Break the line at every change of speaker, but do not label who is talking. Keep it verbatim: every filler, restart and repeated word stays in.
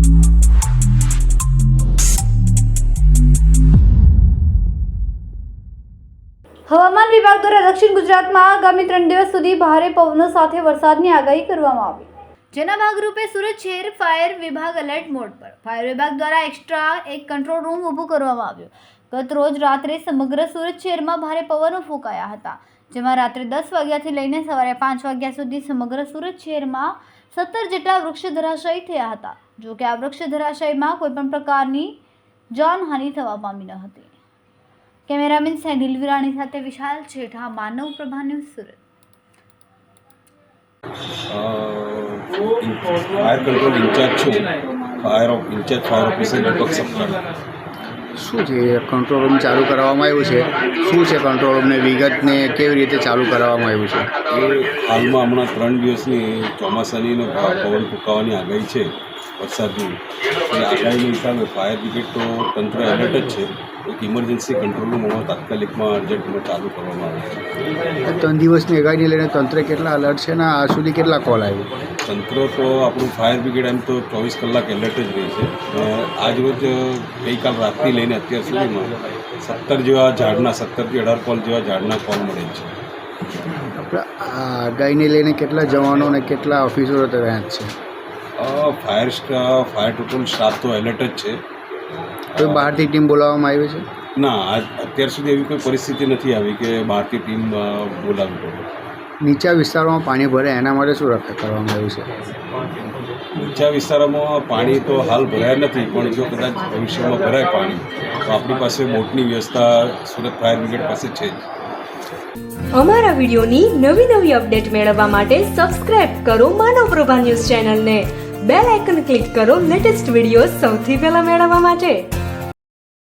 હવામાન વિભાગ દ્વારા દક્ષિણ ગુજરાતમાં આગામી ત્રણ દિવસ સુધી ભારે પવનો સાથે વરસાદની આગાહી કરવામાં આવી, જેના ભાગરૂપે સુરત શહેર ફાયર વિભાગ એલર્ટ મોડ પર. ફાયર વિભાગ દ્વારા એક્સ્ટ્રા એક કંટ્રોલ રૂમ ઊભું કરવામાં આવ્યો. ગત રોજ રાત્રે સમગ્ર સુરત શહેરમાં ભારે પવનો ફૂંકાયા હતા, જેમાં રાત્રે દસ વાગ્યાથી લઈને સવારે પાંચ વાગ્યા સુધી સમગ્ર સુરત શહેરમાં સત્તર જેટલા વૃક્ષ ધરાશાયી થયા હતા. જો કે આ વૃક્ષ ધરાશાયીમાં કોઈપણ પ્રકારની જાનહાનિ થવા પામી ન હતી. કેમેરામેન સેનિલ વિરાણી સાથે Vishal Chhetha, Manav Prabha news, Surat.
Fire control incharge છું. Fire of incharge fire officer Deepak Saptah.
શું છે કંટ્રોલ રૂમ ચાલુ કરવામાં આવ્યું છે? શું છે કંટ્રોલ રૂમને વિગતને કેવી રીતે ચાલુ કરવામાં આવ્યું છે?
એ હાલમાં હમણાં ત્રણ દિવસની ચોમાસાની પવન ફૂંકાવાની આગાહી છે, વરસાદની. એ આગાહીના હિસાબે ફાયર બ્રિગેડ તો તંત્ર એલર્ટ જ છે. એક ઇમરજન્સી કંટ્રોલ રૂમ હમણાં તાત્કાલિકમાં અર્જન્ટમાં ચાલુ કરવામાં આવે છે.
ત્રણ દિવસની આગાહીને લઈને તંત્ર કેટલા અલર્ટ છે ને આ સુધી કેટલા કોલ આવ્યો?
તંત્ર તો આપણું ફાયર બ્રિગેડ એમ તો ચોવીસ કલાક એલર્ટ જ રહી છે. આજ રોજ ગઈકાલ રાતથી લઈને અત્યાર સુધીમાં સત્તર જેવા ઝાડના સત્તરથી અઢાર કોલ જેવા ઝાડના કોલ મળે છે.
આપણે આ આગાહીને લઈને કેટલા જવાનો અને કેટલા ઓફિસરો તૈયાર છે?
Fire staff fire total staff તો એલર્ટ જ છે.
કોઈ બહારથી ટીમ બોલાવવામાં આવી છે?
ના, આજ અત્યાર સુધી એવી કોઈ પરિસ્થિતિ નથી આવી કે બહારથી ટીમ બોલાવવી પડે.
નીચા વિસ્તારોમાં પાણી ભરે એના માટે શું રક્ષા કરવામાં આવ્યું છે?
નીચા વિસ્તારોમાં પાણી તો હાલ ભરાયા નથી, પણ જો કદાચ ભવિષ્યમાં ભરાય પાણી તો આપણી પાસે બોટની વ્યવસ્થા સુરત ફાયર બ્રિગેડ પાસે છે જ.
અમારા વિડીયોની નવી નવી અપડેટ મેળવવા માટે સબસ્ક્રાઇબ કરો માનવ પ્રભા ન્યૂઝ ચેનલને. બેલ આઇકન ક્લિક કરો લેટેસ્ટ વિડીયો સૌથી પહેલા મેળવવા માટે.